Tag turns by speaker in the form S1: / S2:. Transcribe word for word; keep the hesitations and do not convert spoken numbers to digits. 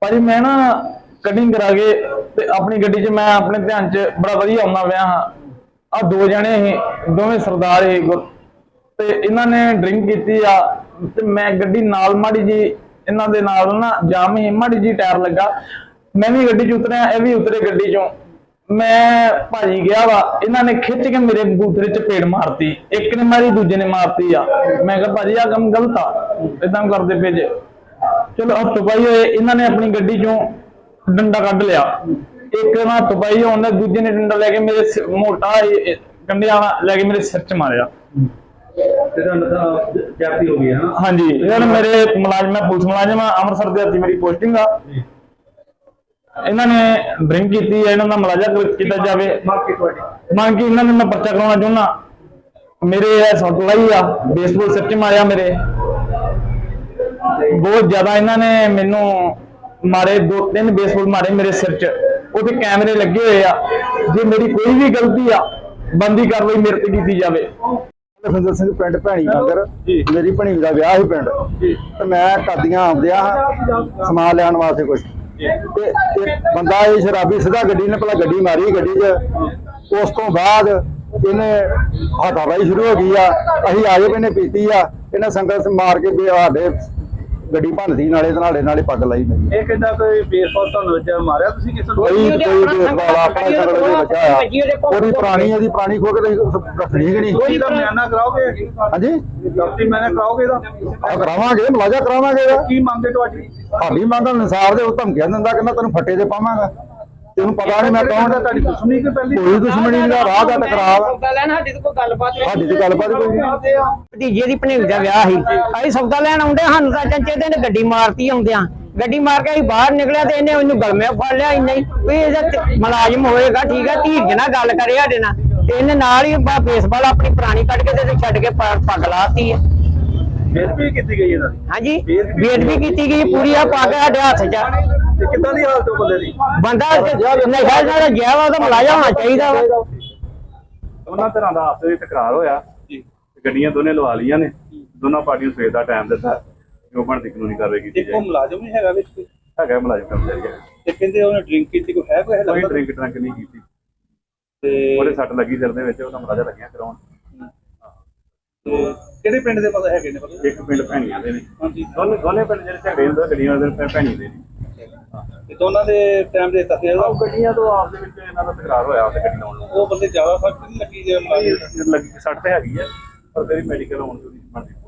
S1: ਭਾਜੀ मैं ना कटिंग करा के ते अपनी गड्डी च मैं अपने ध्यान च बड़ा वधिया आउंदा पिया हां। आ दो जने ही दोवें सरदार ही ते इन्हां ने ड्रिंक कीती आ ते मैं गड्डी नाल माड़ी जी इन्हां दे नाल ना जाम ही माड़ी जी टायर लगा मैं भी गड्डी च उतरिया ए भी उतरे गड्डी चों मैं भाजी गया वा इन्हां ने खिच के मेरे बूथरे च पेड़ मारती एक ने मारी दूजे ने मारती आ। मैं कहा भाजी आ काम गलत आ इदां करदे पे जे चलो हथ पाई होए इन्हां ने अपनी गड्डी चों डंडा कढ़ लिया एक ना हथ पाई होने दूजे ने डंडा लेके मेरे मोटा कंडिया लेके मेरे सिर च मारिया।
S2: जाती हो गई है
S1: हाँ जी यार मेरे मुलाजम मैं पुलिस मुलाजम अमृतसर दी मेरी पोस्टिंग आ इन्होंने ड्रिंक की है इन्हों का मुलाजा किया जाए मांग की इन्होंने मैं पर्चा करवाना चाहना मेरे सट लाई आ बेसबॉल सिर च मारिया मेरे बहुत ज्यादा इन्होंने मैनू मारे दो तीन बेसबॉल मारे मेरे सिर च उसे कैमरे लगे हुए आ जे मेरी कोई भी गलती आ बंदी कार्रवाई मेरे ते की जाए।
S3: लखविंदर सिंह पिंड भैणी मंगर मेरी भैणी का विआह ही पिंड ते मैं करदियां आउंदिया समान लैण वास्ते कुछ ते एक बंदा ये शराबी सीधा गड्डी ने भला गड्डी मारी गड्डी च उस तो बाद इन्हें हाथापाई शुरू हो गई आ असीं आए भी इन्हें पीती आ इन्हें संगत मार के साडे गड्डी भनती नाले नाले नाले पग लाई मेरी
S2: ਇਹ ਕਹਿੰਦਾ ਕੋਈ ਬੇਸਬਾਲ ਤੁਹਾਨੂੰ ਵੱਜਾ ਮਾਰਿਆ ਤੁਸੀਂ ਕਿਸੇ ਨੂੰ
S3: कोई कोई बेसबाल अपना संगत दे बचा आ पूरी पुरानी है पुरानी खो के रखनी कि नहीं
S2: ਕੋਈ ਦਾ ਮਿਆਨਾ ਕਰਾਓਗੇ
S3: हाँ जी
S2: ਡਾਕਟਰੀ ਮੈਨੇ ਕਰਾਓਗੇ ਦਾ
S3: ਆ ਕਰਾਵਾਂਗੇ ਮੁਲਾਜ਼ਾ ਕਰਾਵਾਂਗੇ
S2: ਕੀ ਮੰਗਦੇ ਤੁਹਾਡੀ
S3: ਹਾਲੀ ਮੰਗਣ ਅਨੁਸਾਰ ਦੇ ਉਹ ਧਮਕੀਆਂ ਦਿੰਦਾ ਕਹਿੰਦਾ ਤੈਨੂੰ ਫੱਟੇ ਤੇ ਪਾਵਾਂਗਾ ਤੈਨੂੰ ਪਤਾ ਨਹੀਂ ਮੈਂ ਕੌਣ ਦਾ
S2: ਤੁਹਾਡੀ ਦੁਸ਼ਮਣੀ ਕਿ ਪਹਿਲੀ
S3: ਕੋਈ ਦੁਸ਼ਮਣੀ ਦਾ ਰਾਹ ਦਾ ਟਕਰਾਅ
S4: ਸੌਦਾ ਲੈਣ ਸਾਡੀ ਤੇ ਕੋਈ ਗੱਲਬਾਤ ਨਹੀਂ
S3: ਸਾਡੀ ਤੇ ਗੱਲਬਾਤ ਕੋਈ ਨਹੀਂ
S4: ਭਤੀਜੇ ਦੀ ਭਣੇਵੀ ਦਾ ਵਿਆਹ ਸੀ ਅਸੀਂ ਸੌਦਾ ਲੈਣ ਆਉਂਦੇ ਸਾਨੂੰ ਤਾਂ ਚੰਚੇ ਦੇ ਨੇ ਗੱਡੀ ਮਾਰਤੀ ਆਉਂਦਿਆਂ ਗੱਡੀ ਮਾਰ ਕੇ ਅਸੀਂ ਬਾਹਰ ਨਿਕਲਿਆ ਤੇ ਇਹਨੇ ਉਹਨੂੰ ਗਲਮੇ ਫੜ ਲਿਆ ਇੰਨਾ ਹੀ ਵੀ ਇਹਦਾ ਮੁਲਾਜ਼ਮ ਹੋਏਗਾ ਠੀਕ ਹੈ ਧੀਰਜ ਨਾਲ ਗੱਲ ਕਰੇ ਸਾਡੇ ਨਾਲ ਤੇ ਇਹਨੇ ਨਾਲ ਹੀ ਬੇਸਬਾਲ ਆਪਣੀ ਪੁਰਾਣੀ ਕੱਢ ਕੇ ਤੇ ਛੱਡ ਕੇ ਪੱਗ ਲਾਤੀ ਹੈ
S2: ਬੇਦਬੀ ਕੀਤੀ ਗਈ ਇਹਨਾਂ ਦੀ
S4: ਹਾਂਜੀ ਬੇਦਬੀ ਕੀਤੀ ਗਈ ਪੂਰੀ ਆ ਪੱਗ ਸਾਡੇ ਹੱਥ 'ਚ
S2: ਤੇ ਕਿੱਦਾਂ ਦੀ ਹਾਲਤ ਉਹ ਬੰਦੇ ਦੀ
S4: ਬੰਦਾ ਨਸ਼ਾ ਨਾਲ ਗਿਆ ਵਾ ਉਹਦਾ ਮੁਲਾਜ਼ਮ ਹੋਣਾ ਚਾਹੀਦਾ ਵਾ।
S5: ਦੋਨਾਂ ਤਰ੍ਹਾਂ ਦਾ ਆਪਸ ਵਿੱਚ ਤਕਰਾਰ ਹੋਇਆ ਜੀ ਗੱਡੀਆਂ ਦੋਨੇ ਲਵਾ ਲੀਆਂ ਨੇ ਦੋਨਾਂ ਪਾਰਟੀਆਂ ਸਵੇਰ ਦਾ ਟਾਈਮ ਦਿੱਤਾ ਜੋ ਬਣਦੀ ਕਾਨੂੰਨੀ ਕਾਰਵਾਈ ਕੀਤੀ
S2: ਇੱਕੋ ਮੁਲਾਜ਼ਮ ਨਹੀਂ ਹੈਗਾ ਵਿੱਚ ਕੋਈ
S5: ਹੈਗਾ ਮੁਲਾਜ਼ਮ ਕਰਮਚਾਰੀ ਹੈਗਾ
S2: ਤੇ ਕਹਿੰਦੇ ਉਹਨੇ ਡਰਿੰਕ ਕੀਤੀ ਕੋਈ ਹੈ ਕੋਈ
S5: ਕੋਈ ਡਰਿੰਕ ਡਰੰਕ ਨਹੀਂ ਕੀਤੀ
S2: ਤੇ
S5: ਉਹਦੇ ਸੱਟ ਲੱਗੀ ਸਿਰ ਦੇ ਵਿੱਚ ਉਹਦਾ ਮੁਲਾਜ਼ਾ ਲੱਗਿਆ ਕਰਾਉਣ
S2: ਕਿਹੜੇ ਪਿੰਡ ਦੇ ਪਤਾ ਹੈਗੇ ਨੇ ਪਤਾ
S5: ਇੱਕ ਪਿੰਡ ਭੈਣੀਆਂ ਦੇ ਨੇ
S2: ਹਾਂਜੀ
S5: ਦੋਨੇ ਦੋਨੇ ਪਿੰਡ ਜਿਹੜੇ ਝਗੜੇ ਹੁੰਦੇ ਗੱਡੀਆਂ ਦੇ ਭੈਣੀ ਦੇ ਨੇ
S2: ਤੇ ਦੋਨਾਂ ਦੇ ਟਾਈਮ ਦੇ ਤੱਕ
S5: ਉਹ ਗੱਡੀਆਂ ਤੋਂ ਆਪ ਦੇ ਵਿੱਚ ਇਹਨਾਂ ਦਾ ਤਕਰਾਰ ਹੋਇਆ ਉਹਦੇ ਗੱਡੀ ਲਾਉਣ ਨੂੰ
S2: ਉਹ ਬੰਦੇ ਜ਼ਿਆਦਾ ਫਰਕ ਨਹੀਂ ਲੱਗੀ ਜੇ
S5: ਲੱਗੀ ਸੱਟ ਤੇ ਹੈਗੀ ਹੈ ਪਰ ਤੇਰੀ ਮੈਡੀਕਲ ਹੋਣ ਤੋਂ ਨਹੀਂ ਬਣਦੀ